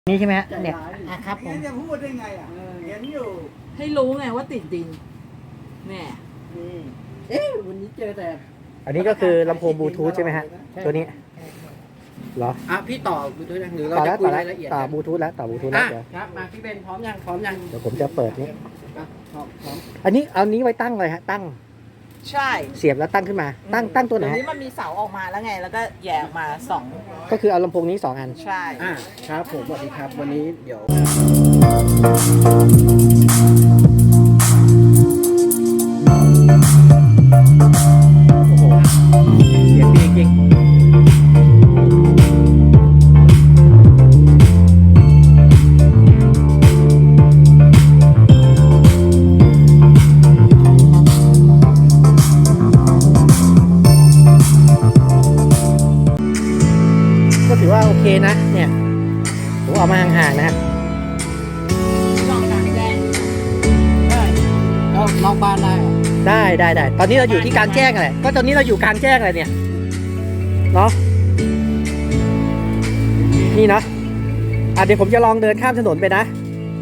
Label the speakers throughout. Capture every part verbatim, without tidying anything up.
Speaker 1: นี่ใช่ไหมฮะเนี่ยอ่ะครับผม
Speaker 2: จะพูดได้ไงอ่ะเห็นอยู่
Speaker 3: ให้รู้ไงว่าติดดินเนี่ย
Speaker 2: เอ๊ะวันนี้เจอแต่
Speaker 1: อันนี้ก็คือลำโพงบลูทูธใช่ไหมฮะตัวนี้เหรอ
Speaker 2: อ่ะพี่ต่อบลูทูธยังหรือเรา
Speaker 1: ต่อ
Speaker 2: จะ
Speaker 1: แล้ว
Speaker 2: คุ
Speaker 1: ต่
Speaker 2: ย
Speaker 1: อแล้ว
Speaker 2: รายละเอียด
Speaker 1: ต่อบลูทูธแล้วต่อบลูทูธแล้วเดี๋ยว
Speaker 2: ครับมาพี่เบนพร้อมยังพร้อมยัง
Speaker 1: เดี๋ยวผมจะเปิดนี้
Speaker 2: อ่ะพร้อมพร้อม
Speaker 1: อันนี้เอานี้ไว้ตั้งเลยฮะตั้ง
Speaker 3: ใช่
Speaker 1: เสียบแล้วตั้งขึ้นมา ตั้งตั้งตัวไหน
Speaker 3: เดี๋ยว
Speaker 1: ฮะ
Speaker 3: นี้มันมีเสาออกมาแล้วไง แล้วก็แยกออกมาสอง
Speaker 1: ก็คือเอาลำโพงนี้สองอัน
Speaker 3: ใช่
Speaker 2: อ่ะครับผมสวัสดีครับวันนี้เดี๋ยว
Speaker 1: โอ้โหเสียงดีจริงก็ถือว่าโอเคนะเนี่ยผมเอามาห่างๆนะฮะ
Speaker 3: ลองกลางแจ้ง
Speaker 2: ได้ก็นอกบ้านได้อ่ะ
Speaker 1: ได้ได้ได้ตอนนี้เราอยู่ที่กลางแจ้งอะไรก็ตอนนี้เราอยู่กลางแจ้งอะไรเนี่ยเนาะนี่นะอ่ะเดี๋ยวผมจะลองเดินข้ามถนนไปนะ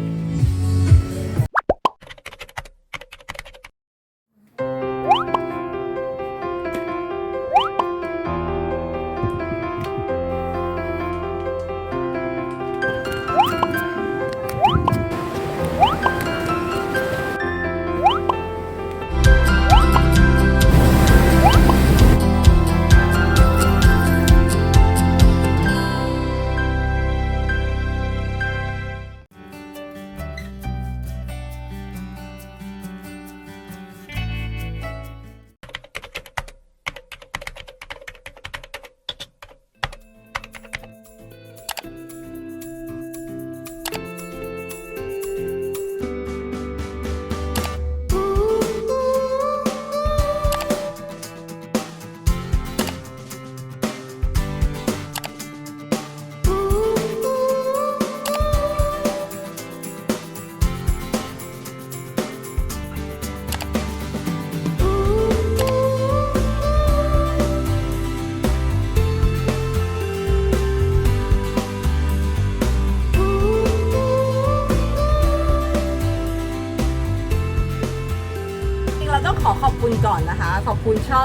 Speaker 3: เราต้องขอขอบคุณก่อนนะคะ ขอบคุณช่อง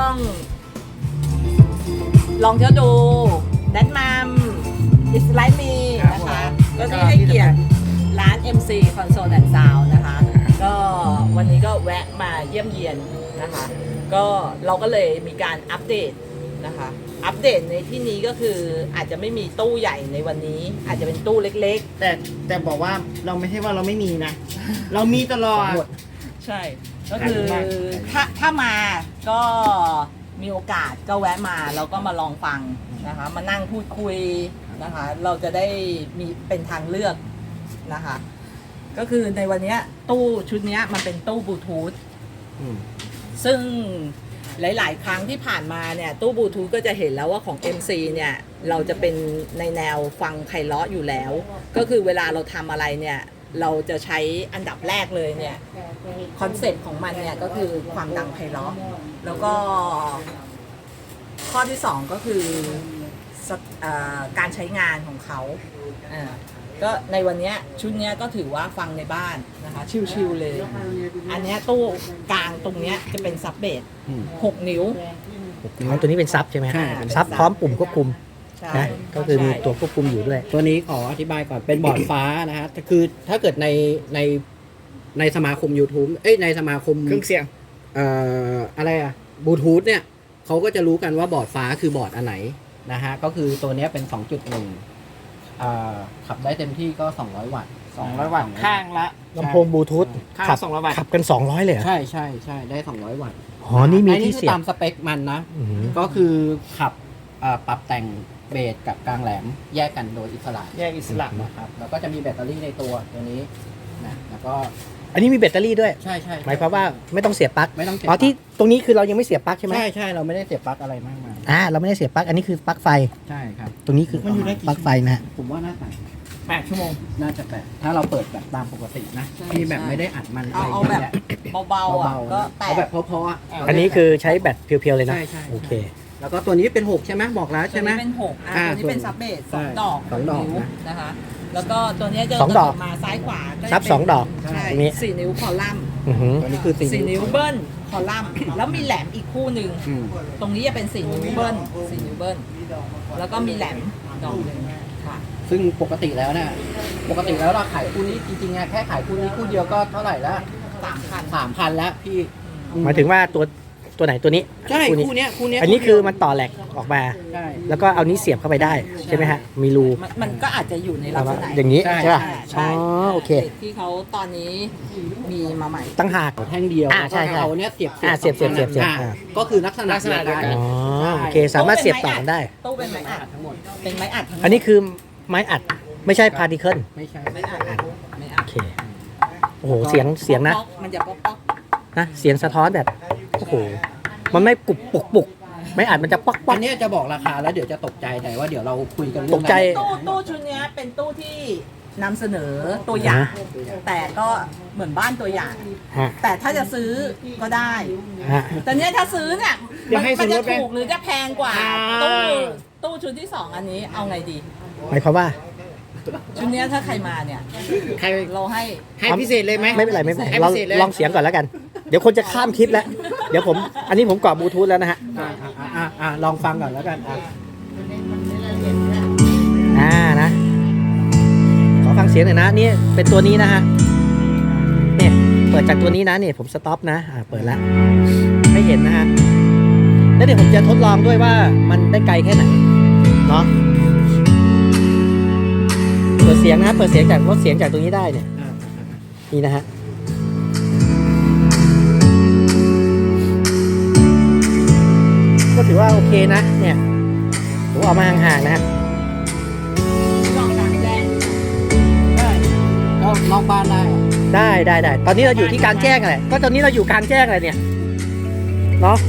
Speaker 3: ลองเที่ยวดูแดนมัมอิสไลมีนะคะก็ที่ให้เกียรติร้าน เอ็ม ซี Console and Sound นะคะ ก็วันนี้ก็แวะมาเยี่ยมเยียนนะคะ ก็เราก็เลยมีการอัปเดตนะคะ อัปเดตในที่นี้ก็คืออาจจะไม่มีตู้ใหญ่ในวันนี้ อาจจะเป็นตู้เล็ก
Speaker 2: แต่แต่บอกว่าเราไม่ใช่ว่าเราไม่มีนะ เรามีตลอด
Speaker 3: ๆ ใช่ ก็คือ
Speaker 2: ขายดีมาก
Speaker 3: ถ้าถ้ามาก็มีโอกาสก็แวะมาแล้วก็มาลองฟังนะคะ มานั่งพูดคุยนะคะ เราจะได้มีเป็นทางเลือกนะคะ ก็คือในวันนี้ตู้ชุดนี้มันเป็นตู้บลูทูธ
Speaker 2: อืม
Speaker 3: ซึ่งหลาย ๆ ครั้งที่ผ่านมาเนี่ยตู้บลูทูธก็จะเห็นแล้วว่าของ เอ็ม ซี เนี่ยเราจะเป็นในแนวฟังไพเราะอยู่แล้ว ก็คือเวลาเราทำอะไรเนี่ยเราจะใช้อันดับแรกเลยเนี่ยคอนเซ็ปต์ของมันเนี่ยก็คือความดังไพเราะแล้วก็ข้อที่สองก็คือสเอ่อการใช้งานของเขาอ่าก็ในวันนี้ชุดนี้ก็ถือว่าฟังในบ้านนะคะชิลๆเลย อันเนี้ยตู้กลางตรงเนี้ยจะเป็นซับเบส
Speaker 2: อืม
Speaker 3: หกนิ้ว
Speaker 1: อ๋อตัวนี้เป็นซับใช่ไหมฮะ
Speaker 2: ใช่
Speaker 1: ซับพร้อมปุ่มควบคุม
Speaker 3: ใช่
Speaker 1: นะก็คือมีตัวควบคุมอยู่ด้วย
Speaker 2: ตัวนี้ขออธิบายก่อนเป็นบอร์ดฟ้านะฮะคือถ้าเกิดในในในสมาคม YouTube เอ้ยในสมาคม
Speaker 4: เครื่องเสียง
Speaker 2: เอ่ออะไรอะบลูทูธเนี่ยเขาก็จะรู้กันว่าบอร์ดฟ้าคือบอร์ดอันไหนนะฮะก็คือตัวเนี้ยเป็น สองจุดหนึ่ง อ่าขับได้เต็มที่ก็ สองร้อย วัตต์
Speaker 4: สองร้อยวัตต์ข้างละ
Speaker 1: ลำโพงบลูทูธ
Speaker 4: ข้าง
Speaker 1: ขั
Speaker 4: ละสองร้อยวัตต์
Speaker 1: ขับกันสองร้อยเลยเหรอ
Speaker 2: ใช่ใช่ใช่ได้ สองร้อย วัตต์
Speaker 1: อ๋อนี่มี
Speaker 2: อั
Speaker 1: ที่
Speaker 2: คื
Speaker 1: เสียบ
Speaker 2: ตามสเปคมันนะ
Speaker 1: อืม
Speaker 2: ก็คือขับอ่าปรับแต่งเบสกับกลางแหลมแยกกันโดยอิสระ
Speaker 4: แยกอิสระ
Speaker 2: นะครับแล้วก็จะมีแบตเตอรี่ในตัวตัวนี้นะแล้วก็
Speaker 1: อันนี้มีแบตเตอรี่ด้วย
Speaker 2: ใช่ใช่
Speaker 1: หมายความว่าไม่ต้องเสียบปลั๊ก
Speaker 2: ไม่ต้องเสียบ
Speaker 1: อ๋อที่ตรงนี้คือเรายังไม่เสียบปลั๊กใช่ไหม
Speaker 2: ใช่ใช่เราไม่ได้เสียบปลั๊กอะไรมากมาย
Speaker 1: อ่าเราไม่ได้เสียบปลั๊กอันนี้คือปลั๊กไฟ
Speaker 2: ใช่ครับ
Speaker 1: ตรงนี้คือ
Speaker 2: มันอยู่ได้กี่
Speaker 1: ปลั๊กไฟนะฮะ
Speaker 2: ผมว่าน่าจะ
Speaker 4: แปดชั่วโมง
Speaker 2: น่าจะแปดถ้าเราเปิดแบบตามปกตินะ
Speaker 3: ใช่
Speaker 2: ที่แบบ
Speaker 3: ใช่
Speaker 2: ไม่ได้อัดมัน
Speaker 3: เอาเอา
Speaker 2: ะไร
Speaker 3: แบบ
Speaker 2: ยะ
Speaker 3: เบาๆอ่ะ
Speaker 2: เบาๆ
Speaker 3: ก็
Speaker 2: นะ
Speaker 3: แป
Speaker 2: เอา
Speaker 3: ด
Speaker 2: แบบเพราะๆอะ
Speaker 1: อันนี้คือใช้แบตเพียวๆเลยนะ
Speaker 2: ใช่ใช่
Speaker 1: โอเค
Speaker 2: แล้วก็ตัวนี้เป็นหกใช่ไหมบอกแล้ว
Speaker 3: ตัว
Speaker 2: ใช่ไหม
Speaker 3: นี้เป็นหกอ่ะ
Speaker 2: อ่า
Speaker 3: ตัวนี้เป็น
Speaker 2: ส่วน
Speaker 3: ซับเบสส
Speaker 2: ใช่
Speaker 3: องดอก
Speaker 2: สองดอก
Speaker 3: นิ้ว
Speaker 2: นะ
Speaker 3: นะคะแล้วก็ตัวเนี้ยจะ
Speaker 1: สองดอก
Speaker 3: มาซ้ายขวาก็จะ
Speaker 1: ซับ
Speaker 3: เป็น
Speaker 1: สองดอก
Speaker 3: ใช่
Speaker 1: ตรงนี้
Speaker 3: สี่นิ้วคอลัมน์
Speaker 1: อือหือ
Speaker 2: ตัวนี้คือสี่
Speaker 3: สี่
Speaker 2: นิ้ว
Speaker 3: นิ้วเบิ้ลคอลัมน์แล้วมีแหลมอีกคู่หนึ่ง
Speaker 2: อืม
Speaker 3: ตรงนี้จะเป็นสี่นิ้วเบิ้ลสี่นิ้วเบิ้ลแล้วก็มีแหลมดอกหนึ่งค่ะ
Speaker 2: ซึ่งปกติแล้วเนี่ยปกติแล้วเราขายคู่นี้จริงๆอะแค่ขายคู่นี้คู่เดียวก็เท่าไหร่แล้ว
Speaker 3: สามพัน
Speaker 2: สามพันแล้วพี่
Speaker 1: หมายถึงว่าตัวตัวไหนตัวนี้
Speaker 2: ใช่
Speaker 1: คู่นี้
Speaker 2: คู่เนี้ยคู่เนี้ย
Speaker 1: อันนี้คือมันต่อแหลกออกมา
Speaker 2: ใช่
Speaker 1: แล้วก็เอานี้เสียบเข้าไปได้ใช่ไหมฮะ มีรู
Speaker 3: มันมันก็อาจจะอยู่ในลักษณะ
Speaker 1: อย่างนี้
Speaker 2: ใช่
Speaker 1: ใช่ป่ะ
Speaker 3: ใช่
Speaker 1: อ๋อโอเค
Speaker 3: ที่เขาตอนนี้มีมาใหม่
Speaker 1: ตั้งหาก
Speaker 2: แท่งเดียว
Speaker 1: อ่าใช่
Speaker 2: แล้วก็
Speaker 1: ใช่
Speaker 2: เอาเนี้ยเสียบ
Speaker 1: อ่าเสียบเสียบเสียบเสียบ
Speaker 2: อ่า
Speaker 1: อ่า
Speaker 2: ก็คือลักษณะ
Speaker 4: ลักษณะเดียวกัน
Speaker 1: อ๋อโอเคสามารถเสียบต่อกันได้
Speaker 3: ตู้เป็นไม้อัด
Speaker 2: ทั้งหมด
Speaker 3: เป็นไม้อัดทั้งหมด
Speaker 1: อันนี้คือไม้อัดไม่ใช่พาร์ติเคิล
Speaker 2: ไม่ใช่
Speaker 3: ไม้อัดไม้อั
Speaker 1: โอ
Speaker 3: ด
Speaker 1: เคโอ้โหเสียงเสียงนะ
Speaker 3: ป๊อกมันจะป๊อกป๊อก
Speaker 1: นะเสียงสะท้อนแบบโอ้โหมันไม่ปุกปุกปุกไม้อัดมันจะป๊อกป๊อ
Speaker 2: อั
Speaker 1: ก
Speaker 2: นเนี้ยจะบอกราคาแล้วเดี๋ยวจะตกใจแต่ว่าเดี๋ยวเราคุยกันเรื่
Speaker 1: ตกใจ
Speaker 3: ตู้ตู้ชุดเนี้ยเป็นตู้ที่นำเสนอตัวอย่าง แต่ก็เหมือนบ้านตัวอย่าง
Speaker 1: ฮะ
Speaker 3: แต่ถ้าจะซื้อก็ได้
Speaker 1: ฮะ
Speaker 3: แต่เนี้ยถ้าซื้อเนี่ย
Speaker 4: เดี๋ยวให้
Speaker 3: มัน
Speaker 4: ซื้อ
Speaker 3: จะ
Speaker 4: รถไหม
Speaker 3: ถูกหรือจะแพงกว่า
Speaker 4: อ่า
Speaker 3: ตู้ตู้ชุดที่สองอันนี้เอาไงดี
Speaker 1: หมายความว่า
Speaker 3: ชุดเนี้ยถ้าใครมาเนี่ย
Speaker 4: ใคร
Speaker 3: เราให้
Speaker 4: ให้พิเศษเลยไหม
Speaker 1: ไม่เป็นไรไม่เป็นไร
Speaker 4: ให้
Speaker 1: ลอง
Speaker 4: พิเศษเลย
Speaker 1: ลองเสียงก่อนแล้วกัน เดี๋ยวคนจะข้ามคลิปแล้ว เดี๋ยวผมอันนี้ผมกรอบบลูทูธแล้วนะฮะ
Speaker 2: อ่าอ่าอ่าอ่าลองฟังก่อนแล้วกันอ่ะ
Speaker 1: อ่านะขอฟังเสียงหน่อยนะนี่เป็นตัวนี้นะฮะเนี่ยเปิดจากตัวนี้นะเนี่ยผมสต็อปนะอ่าเปิดแล้วให้เห็นนะฮะแล้วเดี๋ยวผมจะทดลองด้วยว่ามันได้ไกลแค่ไหนเนาะเปิดเสียงนะเปิดเสียงจากลดเสียงจากตรงนี้ได้เนี่ย
Speaker 2: อ่า
Speaker 1: นี่นะฮะก็ถือว่าโอเคนะเนี่ยผมเอามาห่างๆนะฮะ
Speaker 3: ลองดังแดง
Speaker 2: ได้ก็นอกบ้านได้อะ
Speaker 1: ได้ได้ได้ตอนนี้เราอยู่ที่กลารแจ้งอะไรก็ตอนนี้เราอยู่กลารแจ้งอะไรเนี่ยเนาะ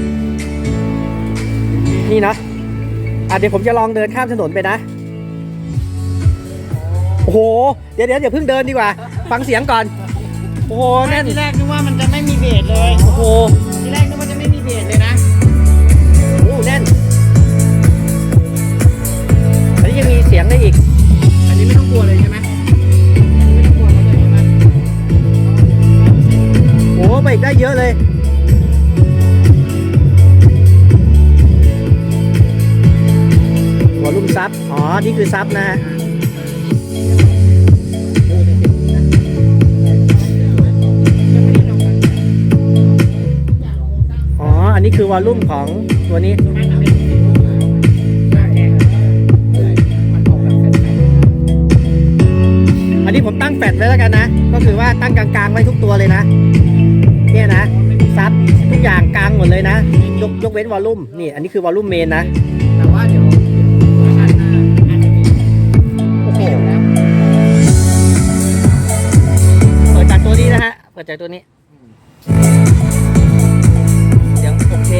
Speaker 1: นี่เนาะอ่ะเดี๋ยวผมจะลองเดินข้ามถนนไปนะโอ้โหเดี๋ยวเดี๋ยวอย่าเพิ่งเดินดีกว่า ฟังเสียงก่อนโอ้โหแน่น
Speaker 4: ทีแรกนึกว่ามันจะไม่มีเบสเลย
Speaker 1: โอ้โห
Speaker 4: ทีแรกนึกว่าจะไม่มีเบสเลยนะ
Speaker 1: โอ้โหแน่นอันนี้ยังมีเสียงได้อีก
Speaker 4: อันนี้ไม่ต้องกลัวเลยใช่ไหมไม่ต้องกลัวเลยใช่ไหม
Speaker 1: โอ้โหไปอีกได้เยอะเลยวอลลุ่มซับอ๋อนี่คือซับนะฮะอ๋ออันนี้คือวอลลุ่มของตัวนี้อันนี้ผมตั้งแฟลชไว้แล้วกันนะก็คือว่าตั้งกลางๆไว้ทุกตัวเลยนะเนี่ยนะซับทุกอย่างกลางหมดเลยนะยกยกเว้นวอลลุ่มนี่อันนี้คือวอลลุ่มเมนนะ
Speaker 2: แต่ว่าเดี๋ยวเวอร์ชันหน้าอาจจะมี
Speaker 1: โอ้โห
Speaker 2: เดี๋ยวนะ
Speaker 1: เปิดจากตัวนี้นะฮะ เปิดจากตัวนี้ เสียงโอเค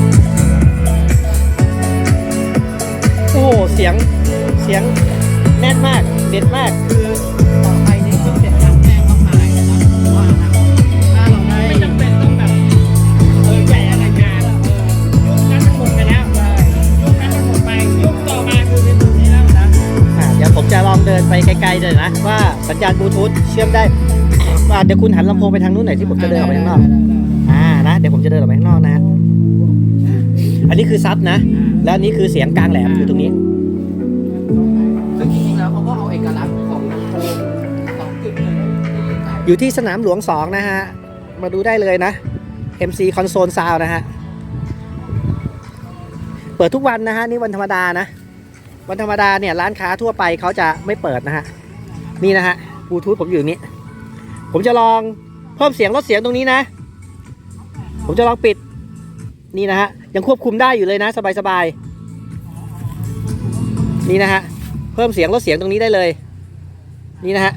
Speaker 1: โอ้โห เสียง เสียงแน่นมาก เด็ดมาก
Speaker 2: คือต่อไปนี้ก็เสร็จการแจ้งต้องมาเลยนะผมว่านะถ้าเราได้
Speaker 4: ไม่จำเป็นต้องแบบเออใหญ่อะไรงานเออยุคนั้นมันหมดไปแล้วยุคนั้นมันหมดไปยุคต่อมาคือเป็นแบบนี้แล้วนะ
Speaker 1: อ่าเดี๋ยวผมจะลองเดินไปไกลๆเลยนะ ว่าสัญญาณบลูทูธเชื่อมได้อ่าเดี๋ยวคุณหันลำโพงไปทางนู้นหน่อยที่ผมจะเดินออกไปข้างนอก อ่านะ เดี๋ยวผมจะเดินออกไปข้างนอกนะฮะ อันนี้คือซับนะ แล้วอันนี้คือเสียงกลางแหลมอยู่ตรงนี้
Speaker 2: ซึ่งจริงๆแล้วเขาก็เอาเอกลักษณ์ของลำโพงสองจุดหนึ่งที่ใส่
Speaker 1: อยู่ที่สนามหลวงสองนะฮะ มาดูได้เลยนะ เอ็ม ซี Console Sound นะฮะ เปิดทุกวันนะฮะ นี่วันธรรมดานะ วันธรรมดาเนี่ยร้านค้าทั่วไปเขาจะไม่เปิดนะฮะ นี่นะฮะบลูทูธผมอยู่ตรงนี้ ผมจะลองเพิ่มเสียงลดเสียงตรงนี้นะ ผมจะลองปิด นี่นะฮะ ยังควบคุมได้อยู่เลยนะสบายๆ นี่นะฮะ เพิ่มเสียงลดเสียงตรงนี้ได้เลย นี่นะฮะ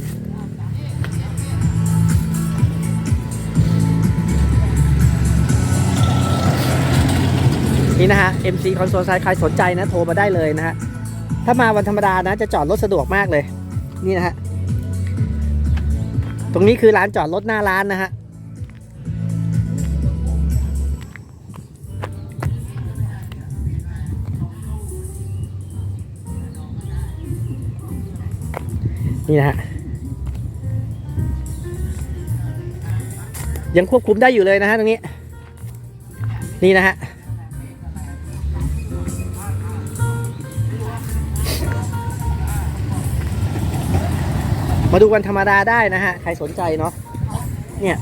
Speaker 1: นี่นะฮะ เอ็ม ซี Console Sound ใครสนใจนะโทรมาได้เลยนะฮะ ถ้ามาวันธรรมดานะจะจอดรถสะดวกมากเลย นี่นะฮะ ตรงนี้คือร้านจอดรถหน้าร้านนะฮะนี่นะฮะยังควบคุมได้อยู่เลยนะฮะตรงนี้นี่นะฮะมาดูวันธรรมดาได้นะฮะใครสนใจเนาะเนี่ย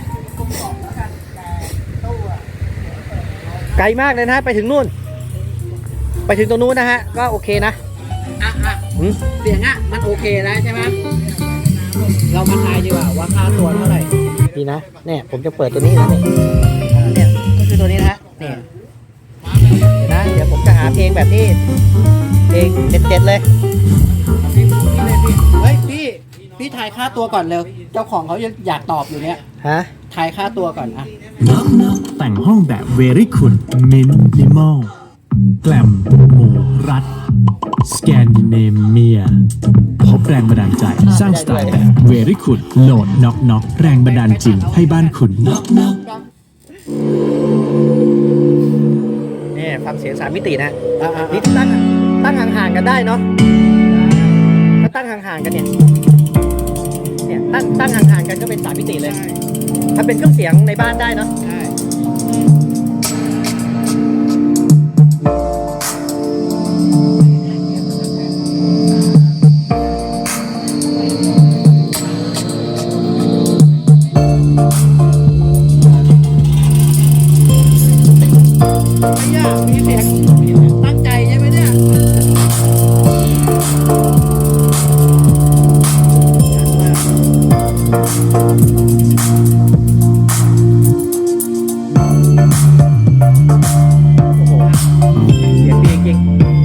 Speaker 1: ไกลมากเลยนะฮะไปถึงนู่นไปถึงตรงนู้นนะฮะก็โอเคนะ
Speaker 2: อ่ะอ่ะ
Speaker 1: อืม
Speaker 2: เสียงอ่ะมันโอเคแล้วใช่ไหมเรามาทายดีกว่าว่าค่าตัวเท่าไหร่
Speaker 1: ดีนะเนี่ยผมจะเปิดตัวนี้นะเนี่ยเนี่ยก็คือตัวนี้นะฮะเนี่ยเดี๋ยวนะเดี๋ยวผมจะหาเพลงแบบที่เพลงเด็ดๆเลย
Speaker 2: เฮ้ยพี่พี่ทายค่าตัวก่อนเร็วเจ้าของเขายังอยากตอบอยู่เนี่ย
Speaker 1: ฮะ
Speaker 2: ทายค่าตัวก่อนอ่ะ
Speaker 5: แต่งห้องแบบเวรี่คุณมินิมอลแกลมหมู่รัฐสแกนดิเนเมียพบแรงบันดาลใจสร้างสไตล์แบบเวรี่คุณโหลดน็อกน็อกแรงบันดาลจริงให้บ้านคุณน็อกน็อก
Speaker 1: นี่ฟังเสียงสามมิตินะ
Speaker 2: อ่ะอ่ะ
Speaker 1: นี่ตั้งตั้งห่างๆกันได้เนาะถ้าตั้งห่างๆกันเนี่ยเนี่ยตั้งตั้งห่างๆกันก็เป็นสามมิติเลยถ้าเป็นเครื่องเสียงในบ้านได้เนาะ
Speaker 2: ใช่ไม่ยากมีเสียงตั้งใจใช่ไหมเนี่ย
Speaker 1: โอ้โหเสียงดีจริง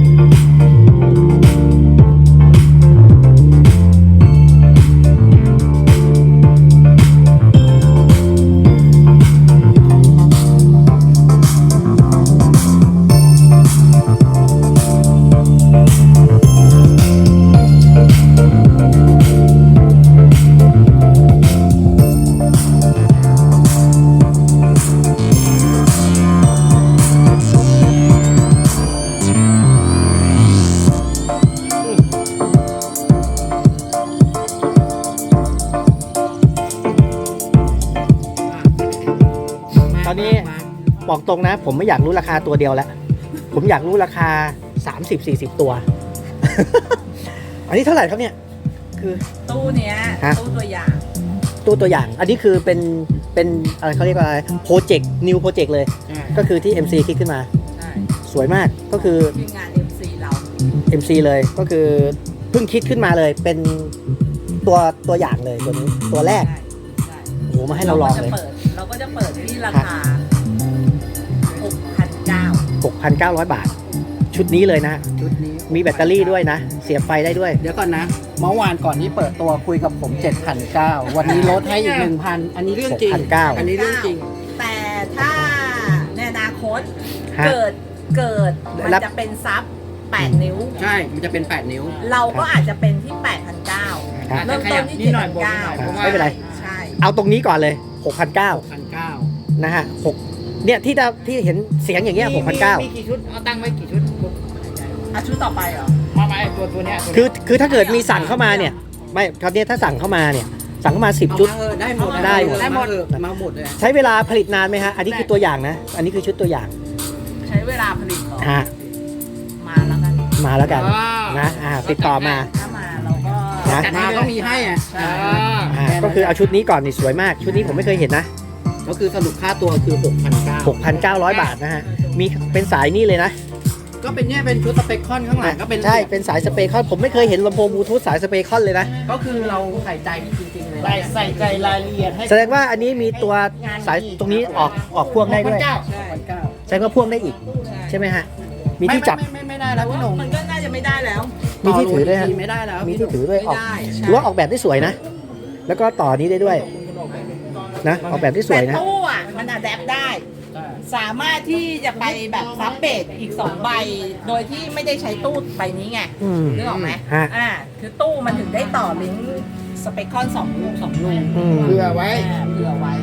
Speaker 1: ตอนนี้บอกตรงนะ ผมไม่อยากรู้ราคาตัวเดียวแล้ว ผมอยากรู้ราคา สามสิบสี่สิบ ตัว อันนี้เท่าไหร่ครับเนี่ยคือ
Speaker 3: ตู้เนี้ย
Speaker 1: ฮะ
Speaker 3: ตู้ตัวอย่าง
Speaker 1: ตัวตัวอย่าง อันนี้คือเป็นเป็นอะไรเขาเรียกว่าอะไรโปรเจกต์นิวโปรเจกต์เลย ก็คือที่ เอ็ม ซี คิดขึ้นมา
Speaker 3: ใช่
Speaker 1: สวยมากก็คือ
Speaker 3: ทีมงาน เอ็ม ซี เรา
Speaker 1: เอ็ม ซี เลยก็คือเพิ่งคิดขึ้นมาเลยเป็นตัวตัวอย่างเลยตัวนี้ตัวแรก
Speaker 3: ใช่ใช่
Speaker 1: โอ้โหมาให้เราลองเลย
Speaker 3: ก็จะปิดเราก็จะเปิดที่ราคา หกพันเก้าร้อย
Speaker 1: หกพันเก้าร้อย บาท ชุดนี้เลยนะ
Speaker 2: ชุดนี้
Speaker 1: มีแบตเตอรี่ด้วยนะ เสียบไฟได้ด้วย
Speaker 2: เดี๋ยวก่อนนะ เมื่อวานก่อนที่เปิดตัวคุยกับผม เจ็ดพันเก้าร้อย วันนี้ลดให้อีก หนึ่งพัน อันนี้เรื่องจริง
Speaker 1: หกพันเก้าร้อย
Speaker 2: อันนี้เรื่องจริง
Speaker 3: แต่ถ้าในอนาคต
Speaker 1: ฮะ
Speaker 3: เกิดเกิดมัน
Speaker 1: รับ
Speaker 3: จะเป็นซับแปดนิ้ว
Speaker 2: ใช่ มันจะเป็น แปด นิ้ว
Speaker 3: เราก็อาจจะเป็นที่ แปดพันเก้าร้อย
Speaker 1: ครับ
Speaker 3: เริ่มต้นที่
Speaker 4: นิดหน่อยบวกนิดหน่อย
Speaker 3: เจ็ดพันเก้าร้อย
Speaker 1: ไม่เป็นไร
Speaker 3: ใช่
Speaker 1: เอาตรงนี้ก่อนเลย หกพันเก้าร้อย
Speaker 2: พันเก้า
Speaker 1: นะฮะหกเนี่ยที่เราที่เห็นเสียงอย่างเงี้ย หกพันเก้าร้อย
Speaker 4: มีกี่ชุด เอาตั้งไว้กี่ชุด
Speaker 3: อาชุดต่อไปเหรอ
Speaker 4: มาไหมตัวตัวเนี้ยตัวเนี้ย
Speaker 1: คือคือถ้าเกิดมีสั่งเข้ามาเนี่ย ไม่คราวนี้ถ้าสั่งเข้ามาเนี่ย สั่งเข้ามาสิบชุด
Speaker 2: เอามาเออได้หมด
Speaker 1: ได้หมด
Speaker 2: ได้หมดมาหมดเลย
Speaker 1: ใช้เวลาผลิตนานไหมฮะ อันนี้คือตัวอย่างนะ อันนี้คือชุดตัวอย่าง
Speaker 3: ใช้เวลาผลิตเหรอ
Speaker 1: ฮะ
Speaker 3: มาแล้วกัน
Speaker 1: มาแล้วกันนะอ่าติดต่อมา
Speaker 3: ถ้ามาเราก็
Speaker 1: นะ
Speaker 2: จัดมาก็มีให้อ่ะ
Speaker 4: อ่า
Speaker 1: อ่าก็คือเอาชุดนี้ก่อนนี่สวยมาก ชุดนี้ผมไม่เคยเห็นนะ
Speaker 2: ก็คือสรุปค่าตัวคือ หกพันเก้าร้อย
Speaker 1: หกพันเก้าร้อย บาทนะฮะ มีเป็นสายนี่เลยนะ
Speaker 2: ก็เป็นเนี่ยเป็นชุดสเปคคอนข้างหลังก็เป็น
Speaker 1: ใช่ เป็นสายสเปคอนผมไม่เคยเห็นลำโพงบลูทูธสายสเปคอนเลยนะ
Speaker 2: ก็คือเราใส่ใจจริงๆเลย
Speaker 4: ใส่ใส่ใจรายละเอียดให้
Speaker 1: แสดงว่าอันนี้มีตัวสายตรงนี้ออกออกพ่วงได้ด้วย
Speaker 4: เก้า
Speaker 3: ใช่
Speaker 2: พันเก้า
Speaker 1: แสดงว่าพ่วงได้อีก ใช่ไหมฮะ มีที่จับ
Speaker 2: ไม่ไม่ไม่ไม่ได้แล้วพี่หนุ่ม
Speaker 3: มันก็น่าจะไม่ได้แล้ว
Speaker 1: มีที่ถือด้วยฮะ
Speaker 2: ต่โหลทีไม่ได้แล้ว
Speaker 1: มีที่ถือด้วยออก
Speaker 3: ไม่ได้ใช่
Speaker 1: หรือว่าออกแบบได้สวยนะ แล้วก็ต่อนี้ได้ด้วยนะ ออกแบบได้สวย
Speaker 3: แต่
Speaker 1: นะ
Speaker 3: ตู้อ่ะมันอะแดปได้ สามารถที่จะไปแบบซับเบสอีกสองใบ โดยที่ไม่ได้ใช้ตู้ใบนี้ไง
Speaker 1: อืม
Speaker 3: นึกออกไหม
Speaker 1: ฮะ
Speaker 3: อ่าคือตู้มันถึงได้ต่อลิงก์สเปคคอนสองรูสองรู
Speaker 1: อืม
Speaker 4: เผื่อไว้
Speaker 3: อ่าเผื่อไว้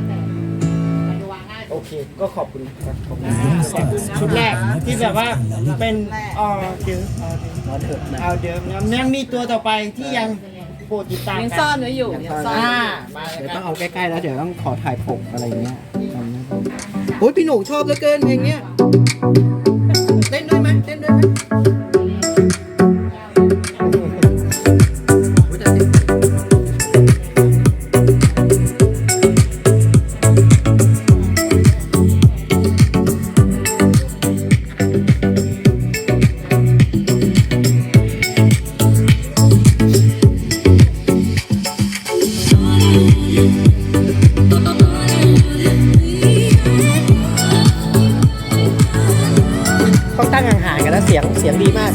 Speaker 1: โอเค ก็ขอบคุณครับขอบคุณ
Speaker 4: ชุดแรกที่แบบว่าเป็นออเดิม
Speaker 2: นอนเถอะนะ
Speaker 4: เอาเดิมนะยังมีตัวต่อไปที่ยังโปรดติดตาม
Speaker 3: ยัง
Speaker 4: กั
Speaker 3: ซ่อนไว้อยู่ยังซ่อนไว้
Speaker 4: อ่า
Speaker 3: อยู่
Speaker 4: มาเลย
Speaker 2: เดี๋ยว
Speaker 4: ค
Speaker 2: ต้
Speaker 4: รั
Speaker 2: อบ งเอาใกล้ๆแล้วเดี๋ยวต้องขอถ่ายปกอะไรเงี้ยทำให้ดูโอ้ยพี่หนูชอบเหลือเกินเพลงเนี้ยเต้นด้วยไหมเต้นด้วยไหมโอ้ยแต่เต้น
Speaker 1: ต้องตั้งห่างๆกันนะเสียงเสียงดีมาก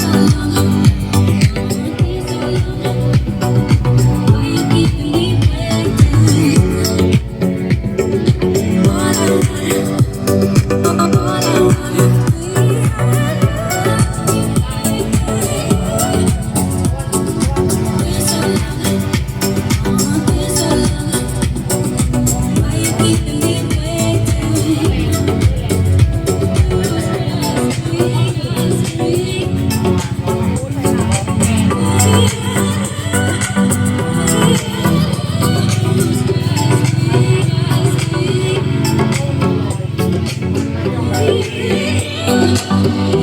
Speaker 6: Thank you.